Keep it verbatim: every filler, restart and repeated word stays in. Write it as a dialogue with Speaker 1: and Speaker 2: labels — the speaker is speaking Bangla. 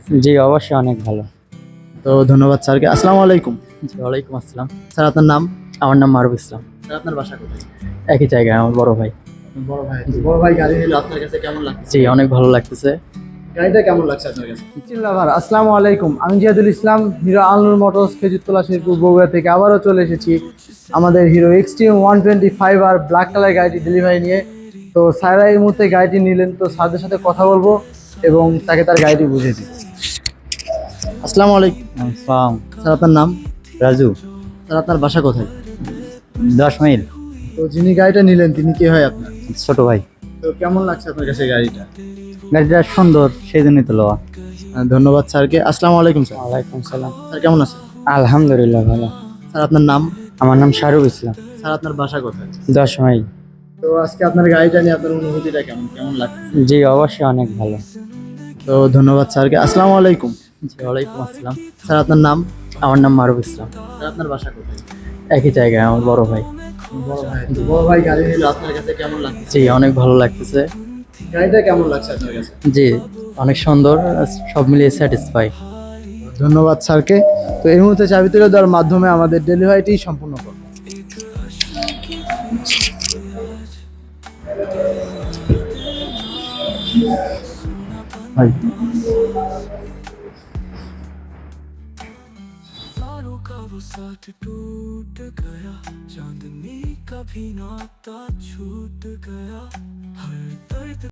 Speaker 1: জি অবশ্যই অনেক ভালো।
Speaker 2: তো ধন্যবাদ স্যারকে। আসসালামু আলাইকুম।
Speaker 1: জি ওয়ালাইকুম আসসালাম।
Speaker 2: স্যার আপনার নাম?
Speaker 1: আমার নাম মারুফ ইসলাম।
Speaker 2: স্যার আপনার বাসা কোথায়?
Speaker 1: একই জায়গায় আমার বড় ভাই।
Speaker 2: বড় ভাই। বড় ভাই গাড়ি নিলো আপনার কাছে কেমন লাগছে?
Speaker 1: জি অনেক ভালো লাগতেছে।
Speaker 2: গাড়িটা কেমন লাগছে আপনার কাছে?
Speaker 3: চিল্লাভার আসসালামু আলাইকুম, আমি জিয়াদুল ইসলাম, হিরো আলনুর মোটরস খেজুরতলা শেরপুর বগুড়া থেকে আবারও চলে এসেছি আমাদের Hero Xtreme one twenty five আর ব্ল্যাক কালার গাড়িটি ডেলিভারি নিয়ে। তো স্যাররা এই মুহূর্তে গাড়িটি নিলেন, তো স্যারদের সাথে কথা বলবো এবং তাকে তার গাড়িটি বুঝিয়ে দিই।
Speaker 2: আসসালামু আলাইকুম।
Speaker 1: আসসালাম।
Speaker 2: স্যার আপনার নাম?
Speaker 1: রাজু।
Speaker 2: স্যার আপনার বাসা কোথায়?
Speaker 1: দশ মাইল।
Speaker 2: তো যিনি গাড়িটা নিলেন তিনি কে হয় আপনার?
Speaker 1: ছোট ভাই।
Speaker 2: তো কেমন লাগছে আপনার কাছে গাড়িটা?
Speaker 1: গাড়িটা সুন্দর সেই জন্যই তো লওয়া।
Speaker 2: আহ, ধন্যবাদ স্যারকে। আসসালামু আলাইকুম স্যার।
Speaker 1: ওয়ালাইকুম সালাম।
Speaker 2: স্যার কেমন আছেন?
Speaker 1: আলহামদুলিল্লাহ ভালো।
Speaker 2: স্যার আপনার নাম?
Speaker 1: আমার নাম শাহরুখ ইসলাম।
Speaker 2: স্যার আপনার বাসা কোথায়?
Speaker 1: দশ মাইল।
Speaker 2: তো আজকে আপনার গাড়িটা নিয়ে আপনার অনুভূতিটা কেমন কেমন লাগছে?
Speaker 1: জি অবশ্যই অনেক ভালো।
Speaker 2: তো ধন্যবাদ স্যারকে। আসসালামু আলাইকুম।
Speaker 1: জি ওয়ালাইকুম আসসালাম।
Speaker 2: স্যার আপনার নাম?
Speaker 1: আমার নাম মারুফ ইসলাম।
Speaker 2: স্যার আপনার বাসা কোথায়?
Speaker 1: একই জায়গায় আমার বড় ভাই।
Speaker 2: বড় ভাই। বড় ভাই গাড়ি নিলো আপনার কাছে কেমন লাগছে?
Speaker 1: জি অনেক ভালো লাগতেছে।
Speaker 2: গাড়িটা কেমন লাগছে আপনার কাছে?
Speaker 1: জি অনেক সুন্দর, সব মিলিয়ে স্যাটিসফাই।
Speaker 3: ধন্যবাদ স্যারকে। তো এই মুহূর্তে চাবি তুলে দেওয়ার মাধ্যমে আমাদের ডেলিভারিটি সম্পূর্ণ করব।
Speaker 1: ভাই
Speaker 4: तारों का वो साथ टूट गया, चांदनी का भी नाता छूट गया, हर दर्द